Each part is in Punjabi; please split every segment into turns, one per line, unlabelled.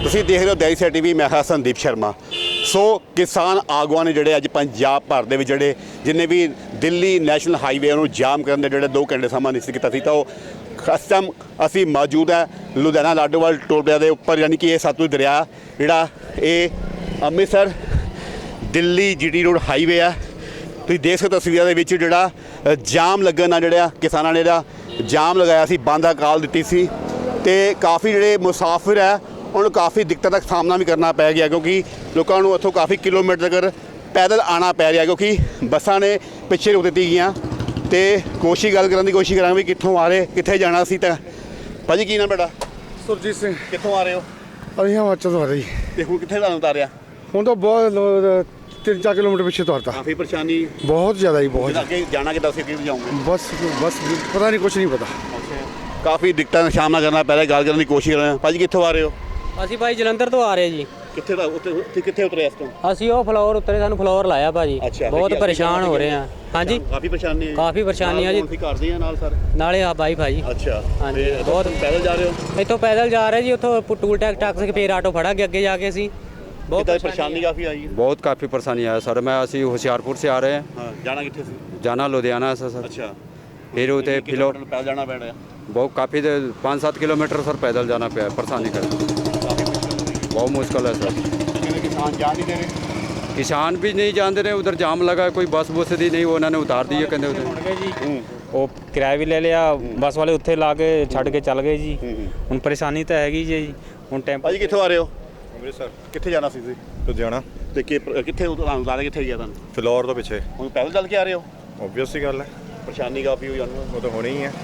ਤੁਸੀਂ ਦੇਖ ਰਹੇ ਹੋ ਦੈਨਿਕ ਸਵੇਰਾ ਟੀਵੀ। ਮੈਂ ਹਾਂ ਸੰਦੀਪ ਸ਼ਰਮਾ। ਸੋ ਕਿਸਾਨ ਆਗੂਆਂ ਨੇ ਜਿਹੜੇ ਅੱਜ ਪੰਜਾਬ ਭਰ ਦੇ ਵਿੱਚ ਜਿਹੜੇ ਜਿੰਨੇ ਵੀ ਦਿੱਲੀ ਨੈਸ਼ਨਲ ਹਾਈਵੇ ਨੂੰ ਜਾਮ ਕਰਨ ਦੇ ਜਿਹੜੇ 2 ਘੰਟੇ ਸਮਾਂ ਨਿਸ਼ਚਿਤ ਕੀਤਾ ਸੀ, ਤਾਂ ਉਹ ਇਸ ਟਾਈਮ ਅਸੀਂ ਮੌਜੂਦ ਹੈ ਲੁਧਿਆਣਾ ਲਾਡੋਵਾਲ ਟੋਲ ਪਲਾਜ਼ਾ ਦੇ ਉੱਪਰ, ਯਾਨੀ ਕਿ ਇਹ ਸਤਲੁਜ ਦਰਿਆ ਜਿਹੜਾ ਇਹ Amritsar Delhi GT road highway ਆ। ਤੁਸੀਂ ਦੇਖ ਸਕਦੇ ਤਸਵੀਰਾਂ ਦੇ ਵਿੱਚ ਜਿਹੜਾ ਜਾਮ ਲੱਗਣ ਨਾਲ ਜਿਹੜਾ ਕਿਸਾਨਾਂ ਨੇ ਜਿਹੜਾ ਜਾਮ ਲਗਾਇਆ ਸੀ, ਬੰਦ ਹੜਤਾਲ ਦਿੱਤੀ ਸੀ ਤੇ ਕਾਫੀ ਜਿਹੜੇ ਮੁਸਾਫਿਰ ਹੈ ਉਹਨੂੰ ਕਾਫੀ ਦਿੱਕਤਾਂ ਦਾ ਸਾਹਮਣਾ ਵੀ ਕਰਨਾ ਪੈ ਗਿਆ, ਕਿਉਂਕਿ ਲੋਕਾਂ ਨੂੰ ਉੱਥੋਂ ਕਾਫੀ ਕਿਲੋਮੀਟਰ ਤੱਕ ਪੈਦਲ ਆਉਣਾ ਪੈ ਰਿਹਾ, ਕਿਉਂਕਿ ਬੱਸਾਂ ਨੇ ਪਿੱਛੇ ਰੋਕ ਦਿੱਤੀ ਗਈਆਂ। ਤੇ ਗੱਲ ਕਰਨ ਦੀ ਕੋਸ਼ਿਸ਼ ਕਰਾਂਗੇ ਵੀ ਕਿੱਥੋਂ ਆ ਰਹੇ, ਕਿੱਥੇ ਜਾਣਾ ਸੀ। ਤਾਂ ਭਾਜੀ ਕੀ ਨਾਮ ਤੁਹਾਡਾ?
ਸੁਰਜੀਤ ਸਿੰਘ।
ਕਿੱਥੋਂ ਆ ਰਹੇ ਹੋ?
ਅਸੀਂ ਹਿਮਾਚਲ ਤੋਂ ਆ ਰਹੇ ਜੀ।
ਤੇ ਹੁਣ ਕਿੱਥੇ ਤੁਹਾਨੂੰ ਉਤਾਰਿਆ?
ਹੁਣ ਤਾਂ ਬਹੁਤ 3-4 ਕਿਲੋਮੀਟਰ ਪਿੱਛੇ ਤੁਰਤਾ।
ਕਾਫੀ ਪਰੇਸ਼ਾਨੀ
ਬਹੁਤ ਜ਼ਿਆਦਾ ਜੀ, ਬਹੁਤ।
ਅੱਗੇ ਜਾਣਾ ਕਿੱਦਾਂ ਸੀ, ਅੱਗੇ ਜਾਓਗੇ?
ਬਸ ਪਤਾ ਨਹੀਂ, ਕੁਛ ਨਹੀਂ ਪਤਾ।
ਕਾਫੀ ਦਿੱਕਤਾਂ ਦਾ ਸਾਹਮਣਾ ਕਰਨਾ ਪੈ ਰਿਹਾ। ਗੱਲ ਕਰਨ ਦੀ ਕੋਸ਼ਿਸ਼ ਕਰ ਰਹੇ ਹਾਂ। ਭਾਜੀ ਕਿੱਥੋਂ ਆ ਰਹੇ ਹੋ?
ਅਸੀਂ ਭਾਈ ਜਲੰਧਰ ਤੋਂ ਆ ਰਹੇ ਜੀ।
ਕਿੱਥੇ ਦਾ ਉੱਥੇ ਕਿੱਥੇ ਉਤਰੇ ਇਸ ਤੋਂ?
ਅਸੀਂ ਉਹ ਫਲੋਰ ਉਤਰੇ, ਸਾਨੂੰ ਫਲੋਰ ਲਾਇਆ ਭਾਜੀ। ਬਹੁਤ ਪਰੇਸ਼ਾਨ ਹੋ ਰਹੇ ਆ। ਹਾਂਜੀ
ਕਾਫੀ ਪਰੇਸ਼ਾਨੀ ਹੈ।
ਕਾਫੀ ਪਰੇਸ਼ਾਨੀ ਆ ਜੀ।
ਅਸੀਂ ਕਰਦੇ ਆ ਨਾਲ ਸਰ
ਨਾਲੇ ਆ ਬਾਈ ਭਾਜੀ।
ਅੱਛਾ
ਹਾਂਜੀ
ਬਹੁਤ ਪੈਦਲ ਜਾ ਰਹੇ ਹੋ?
ਇੱਥੋਂ ਪੈਦਲ ਜਾ ਰਹੇ ਜੀ, ਉੱਥੋਂ ਟੂਲ ਟੈਕਸ ਕੇ ਫੇਰ ਆਟੋ ਫੜਾਂਗੇ ਅੱਗੇ ਜਾ ਕੇ। ਅਸੀਂ
बहुत परेशानी काफ़ी आई है।
बहुत काफ़ी परेशानी है सर। मैं असी होशियारपुर से आ रहे हैं।
हाँ, जाना कितने से? जाना
लुधियाना से सर।
अच्छा,
फिर उते फिलो
पैदल जाना पड़ रहा है।
बहुत काफ़ी 5-7 किलोमीटर सर पैदल जाना पे परेशानी कर। बहुत मुश्किल है सर।
किसान जा नहीं दे रहे।
किसान भी नहीं जान दे रहे। उधर जाम लगा, कोई बस बुस दी नहीं, उन्होंने उतार दी है कहते उधर।
ਉਹ ਕਿਰਾਇਆ ਵੀ ਲੈ ਲਿਆ, ਬੱਸ ਵਾਲੇ ਉੱਥੇ ਲਾ ਕੇ ਛੱਡ ਕੇ ਚੱਲ ਗਏ ਜੀ। ਹੁਣ ਪਰੇਸ਼ਾਨੀ ਤਾਂ ਹੈਗੀ ਜੀ। ਹੁਣ ਟੈਂਪੋ।
ਭਾਜੀ ਕਿੱਥੋਂ ਆ ਰਹੇ ਹੋ?
ਅੰਮ੍ਰਿਤਸਰ।
ਕਿੱਥੇ ਜਾਣਾ ਸੀ ਤੁਸੀਂ?
ਲੁਧਿਆਣਾ।
ਤੇ ਕਿੱਥੇ ਤੁਹਾਨੂੰ ਲਾ ਕਿੱਥੇ ਗਿਆ ਤੁਹਾਨੂੰ?
ਫਲੋਰ ਤੋਂ ਪਿੱਛੇ।
ਹੁਣ ਪੈਦਲ ਚੱਲ ਕੇ ਆ ਰਹੇ ਹੋ?
ਓਬਵੀਅਸ ਹੀ ਗੱਲ ਹੈ,
ਪਰੇਸ਼ਾਨੀ ਕਾਫੀ ਹੋ ਜਾਂਦੀ
ਉਹ ਤਾਂ ਹੋਣੀ ਹੀ ਹੈ।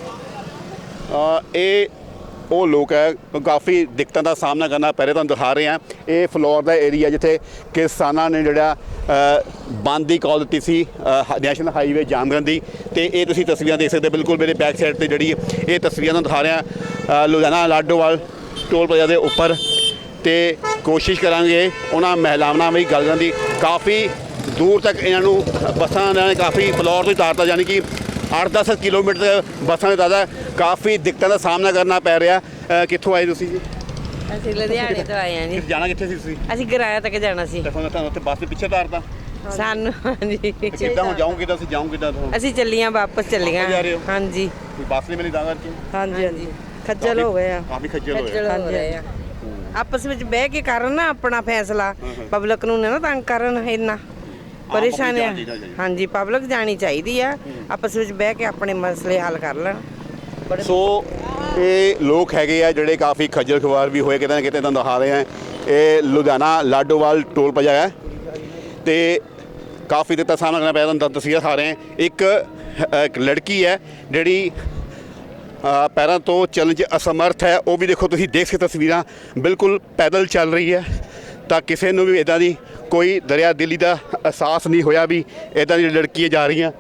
ਇਹ ਉਹ ਲੋਕ ਹੈ ਕਾਫੀ ਦਿੱਕਤਾਂ ਦਾ ਸਾਹਮਣਾ ਕਰਨਾ ਪੈ ਰਿਹਾ। ਤੁਹਾਨੂੰ ਦਿਖਾ ਰਹੇ ਹਾਂ ਇਹ ਫਲੋਰ ਦਾ ਏਰੀਆ ਜਿੱਥੇ ਕਿਸਾਨਾਂ ਨੇ ਜਿਹੜਾ ਬੰਦ ਦੀ ਕਾਲ ਦਿੱਤੀ ਸੀ ਨੈਸ਼ਨਲ ਹਾਈਵੇ ਜਾਮ ਕਰਨ ਦੀ। ਤੇ ਇਹ ਤੁਸੀਂ ਤਸਵੀਰਾਂ ਦੇਖ ਸਕਦੇ ਬਿਲਕੁਲ ਮੇਰੇ ਬੈਕ ਸਾਈਡ ਤੇ ਜਿਹੜੀ ਇਹ ਤਸਵੀਰਾਂ ਤੁਹਾਨੂੰ ਦਿਖਾ ਰਿਹਾ ਲੁਧਿਆਣਾ ਲਾਡੋਵਾਲ ਟੋਲ ਪਲਾਜ਼ਾ ਦੇ ਉੱਪਰ। ਤੇ ਕੋਸ਼ਿਸ਼ ਕਰਾਂਗੇ ਉਹਨਾਂ ਮਹਿਲਾਵਾਂ ਨਾਲ ਵੀ ਗੱਲ ਕਰਨ ਦੀ। ਕਾਫੀ ਦੂਰ ਤੱਕ ਇਹਨਾਂ ਨੂੰ ਬੱਸਾਂ ਨੇ ਕਾਫੀ ਫਲੋਰ ਤੋਂ ਹੀ ਉਤਾਰਤਾ, ਯਾਨੀ ਕਿ 8-10 ਕਿਲੋਮੀਟਰ ਬੱਸਾਂ ਦੇ ਦਾਦਾ ਕਾਫੀ ਦਿੱਕਤਾਂ ਦਾ ਸਾਹਮਣਾ ਕਰਨਾ ਪੈ ਰਿਹਾ। ਕਿੱਥੋਂ ਆਏ ਤੁਸੀਂ ਜੀ?
ਅਸੀਂ ਲੁਧਿਆਣੇ ਤੋਂ ਆਏ ਹਾਂ ਜੀ।
ਜਾਣਾ ਕਿੱਥੇ ਸੀ ਤੁਸੀਂ?
ਅਸੀਂ ਗਰਾਇਆ ਤੱਕ ਜਾਣਾ ਸੀ।
ਤੇ ਤੁਹਾਨੂੰ ਉੱਥੇ ਬੱਸ ਦੇ ਪਿੱਛੇ ਉਤਾਰਤਾ
ਸਾਨੂੰ। ਹਾਂਜੀ
ਕਿੱਦਾਂ ਹੁਣ ਜਾਓਗੇ? ਤਾਂ ਅਸੀਂ ਜਾਓਗੇ ਕਿੱਦਾਂ?
ਅਸੀਂ ਚੱਲੀਆਂ, ਵਾਪਸ ਚੱਲੀਆਂ। ਹਾਂਜੀ
ਕੋਈ ਬੱਸ ਨਹੀਂ ਮਿਲੀ ਤਾਂ ਕਰਕੇ?
ਹਾਂਜੀ ਹਾਂਜੀ ਖੱਜਲ ਹੋ ਗਏ ਆ,
ਕਾਫੀ ਖੱਜਲ ਹੋਏ।
ਹੋ ਰਹੇ ਆ। ਆਪਸ ਵਿੱਚ ਬਹਿ ਕੇ ਕਰਨ ਨਾ ਆਪਣਾ ਫੈਸਲਾ, ਪਬਲਿਕ ਨੂੰ ਨਾ ਤੰਗ ਕਰਨ ਇੰਨਾ ਪਰੇਸ਼ਾਨੀ। ਹਾਂਜੀ ਪਬਲਿਕ ਜਾਣੀ ਚਾਹੀਦੀ ਆ, ਆਪਸ ਵਿੱਚ ਬਹਿ ਕੇ ਆਪਣੇ ਮਸਲੇ ਹੱਲ ਕਰ ਲੈਣ।
ਸੋ ਇਹ ਲੋਕ ਹੈਗੇ ਆ ਜਿਹੜੇ ਕਾਫੀ ਖੱਜਲ ਖੁਆਰ ਵੀ ਹੋਏ ਕਿਤੇ ਨਾ ਕਿਤੇ। ਤੁਹਾਨੂੰ ਦਿਖਾ ਰਹੇ ਆ ਇਹ ਲੁਧਿਆਣਾ ਲਾਡੋਵਾਲ ਟੋਲ ਪਲਾਜ਼ਾ ਹੈ ਤੇ ਕਾਫੀ ਦਿੱਕਤਾਂ ਦਾ ਸਾਹਮਣਾ ਕਰਨਾ ਪਿਆ। ਤੁਹਾਨੂੰ ਤਸਵੀਰਾਂ ਦਿਖਾ ਰਹੇ ਆ। ਇੱਕ ਲੜਕੀ ਹੈ ਜਿਹੜੀ ਪੈਰਾਂ ਤੋਂ ਚੱਲਣ 'ਚ ਅਸਮਰਥ ਹੈ। ਉਹ ਵੀ ਦੇਖੋ, ਤੁਸੀਂ ਦੇਖ ਸਕਦੇ ਤਸਵੀਰਾਂ, ਬਿਲਕੁਲ ਪੈਦਲ ਚੱਲ ਰਹੀ ਹੈ। ਤਾਂ ਕਿਸੇ ਨੂੰ ਵੀ ਇੱਦਾਂ ਦੀ ਕੋਈ ਦਰਿਆ ਦਿੱਲੀ ਦਾ ਅਹਿਸਾਸ ਨਹੀਂ ਹੋਇਆ ਵੀ ਇੱਦਾਂ ਦੀ ਲੜਕੀਆਂ ਜਾ ਰਹੀਆਂ।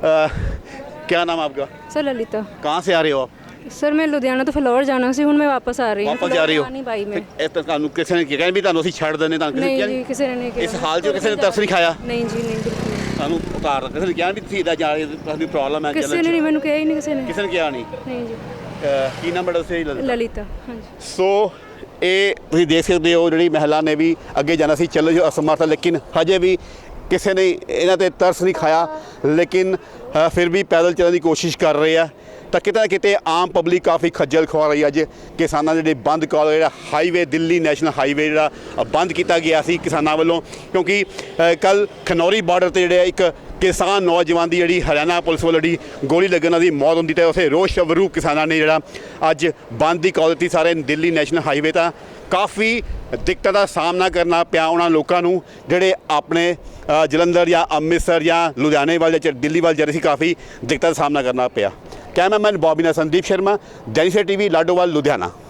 क्या नाम आपका?
सर ललिता।
कहाँ से आ रहे हो आप?
सर मैं लुधियाना तो फ्लोर जाना सी, हूँ मैं वापस आ रही हूँ।
वापस जा रही हो?
नहीं भाई मैं।
ਤੁਹਾਨੂੰ ਕਿਸੇ ਨੇ ਕਿਹਾ ਵੀ ਤੁਹਾਨੂੰ ਅਸੀਂ ਛੱਡ ਦਿੰਦੇ? ਤੁਹਾਨੂੰ
नहीं जी किसी ने नहीं किया।
ਇਸ ਹਾਲ 'ਚ ਕਿਸੇ ਨੇ ਤਰਸ ਨਹੀਂ ਖਾਇਆ?
नहीं जी नहीं बिल्कुल नहीं।
ਸਾਨੂੰ ਉਤਾਰ ਦਿੱਤਾ। ਕਿਸੇ ਨੇ ਕਿਹਾ ਵੀ ਤੁਸੀਂ ਇੱਦਾਂ ਜਾ ਰਹੇ ਹੋ, ਤੁਹਾਨੂੰ ਪ੍ਰੋਬਲਮ ਹੈ?
किसी ने नहीं, मैंने कहा ही नहीं किसी ने।
ਕਿਸੇ ਨੇ ਕਿਹਾ ਨਹੀਂ?
नहीं जी
ਕੀ ਨਾਮ ਬੜਾ ਸਹੀ ਲੱਗਦਾ?
ललिता। हाँ जी।
ਸੋ ਇਹ ਤੁਸੀਂ ਦੇਖ ਸਕਦੇ ਹੋ ਜਿਹੜੀ ਮਹਿਲਾ ਨੇ ਵੀ ਅੱਗੇ ਜਾਣਾ ਸੀ, ਚੱਲੋ ਜੋ ਅਸਮਰਥ, ਲੇਕਿਨ ਹਜੇ ਵੀ ਕਿਸੇ ਨੇ ਇਹਨਾਂ ਤੇ ਤਰਸ ਨਹੀਂ ਖਾਇਆ। ਲੇਕਿਨ ਫਿਰ ਵੀ ਪੈਦਲ ਚੱਲਣ ਦੀ ਕੋਸ਼ਿਸ਼ ਕਰ ਰਹੇ ਆ। ਤਾਂ ਕਿਤੇ ਨਾ ਕਿਤੇ ਆਮ ਪਬਲਿਕ ਕਾਫੀ ਖੱਜਲ ਖੁਆ ਰਹੀ। ਅੱਜ ਕਿਸਾਨਾਂ ਜਿਹੜੇ ਬੰਦ ਕਾਲ ਜਿਹੜਾ ਹਾਈਵੇ ਦਿੱਲੀ ਨੈਸ਼ਨਲ ਹਾਈਵੇ ਜਿਹੜਾ ਬੰਦ ਕੀਤਾ ਗਿਆ ਸੀ ਕਿਸਾਨਾਂ ਵੱਲੋਂ, ਕਿਉਂਕਿ ਕੱਲ ਖਨੌਰੀ ਬਾਰਡਰ 'ਤੇ ਜਿਹੜੇ ਇੱਕ ਕਿਸਾਨ ਨੌਜਵਾਨ ਦੀ ਜਿਹੜੀ ਹਰਿਆਣਾ ਪੁਲਿਸ ਵੱਲੋਂ ਜਿਹੜੀ ਗੋਲੀ ਲੱਗਣ ਦੀ ਮੌਤ ਹੁੰਦੀ, ਤੇ ਉਸੇ ਰੋਸ਼ ਸਵਰੂਪ ਕਿਸਾਨਾਂ ਨੇ ਜਿਹੜਾ ਅੱਜ ਬੰਦ ਦੀ ਕਾਲ ਦਿੱਤੀ ਸਾਰੇ ਦਿੱਲੀ ਨੈਸ਼ਨਲ ਹਾਈਵੇ। ਤਾਂ ਕਾਫੀ ਦਿੱਕਤਾਂ ਦਾ ਸਾਹਮਣਾ ਕਰਨਾ ਪਿਆ ਉਹਨਾਂ ਲੋਕਾਂ ਨੂੰ ਜਿਹੜੇ ਆਪਣੇ ਜਲੰਧਰ ਜਾਂ ਅੰਮ੍ਰਿਤਸਰ ਜਾਂ ਲੁਧਿਆਣੇ ਵੱਲ ਜਾਂ ਦਿੱਲੀ ਵੱਲ ਜਾ ਰਹੇ ਸੀ। ਕਾਫੀ ਦਿੱਕਤਾਂ ਦਾ ਸਾਹਮਣਾ ਕਰਨਾ ਪਿਆ। ਕੈਮਰਾਮੈਨ ਬॉबी ਨਾਲ ਸੰਦੀਪ ਸ਼ਰਮਾ, ਦੈਨਿਕ ਸਵੇਰਾ ਟੀਵੀ, ਲਾਡੋਵਾਲ, ਲੁਧਿਆਣਾ।